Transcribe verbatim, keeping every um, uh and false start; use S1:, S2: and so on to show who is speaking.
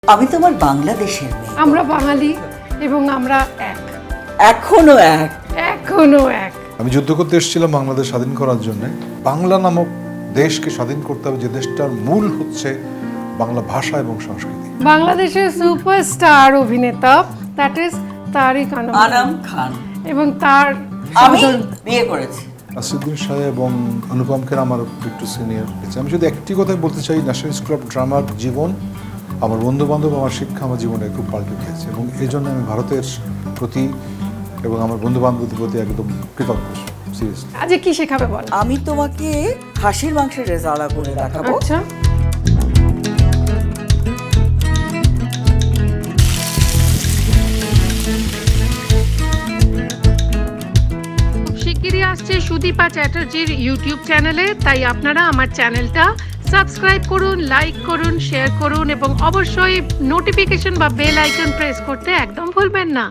S1: আমি তোমার বাংলাদেশের মেয়ে।
S2: আমরা বাঙালি এবং আমরা এক,
S1: এখনো এক।
S2: এখনো এক।
S3: আমি যুদ্ধ করতে এসেছিলাম বাংলাদেশ স্বাধীন করার জন্য। বাংলা নামক দেশকে স্বাধীন করতে হবে, যে দেশটার মূল হচ্ছে বাংলা ভাষা এবং সংস্কৃতি।
S2: বাংলাদেশের সুপারস্টার অভিনেতা দ্যাট ইজ তারিক আনাম
S1: আনাম খান
S2: এবং তার
S1: আমি
S2: সহোদর-
S1: বিয়ে করেছি।
S3: আসিফুদ্দিন শাহ এবং অনুপম খের আমার একটু সিনিয়র। আমি যদি একটি কথাই বলতে চাই, ন্যাশনাল স্কুল অফ ড্রামার জীবন, আমার বন্ধু বান্ধব, আমার শিক্ষা আমার জীবনে খুব পাল্টে খেয়েছে, এবং এই জন্য আমি ভারতের প্রতি এবং আমার বন্ধু বান্ধবদের প্রতি একদম কৃতজ্ঞ। সিরিয়াসলি।
S2: আজকে কি শেখাবে বল?
S1: আমি তোমাকে খাসির মাংসের রেজালা করে দেখাবো।
S2: আচ্ছা, শিগগিরই আসছে সুদীপা চ্যাটার্জির ইউটিউব চ্যানেলে, তাই আপনারা আমার চ্যানেলটা সাবস্ক্রাইব করুন, লাইক করুন, শেয়ার করুন এবং অবশ্যই নোটিফিকেশন বা বেল আইকন প্রেস করতে একদম ভুলবেন না।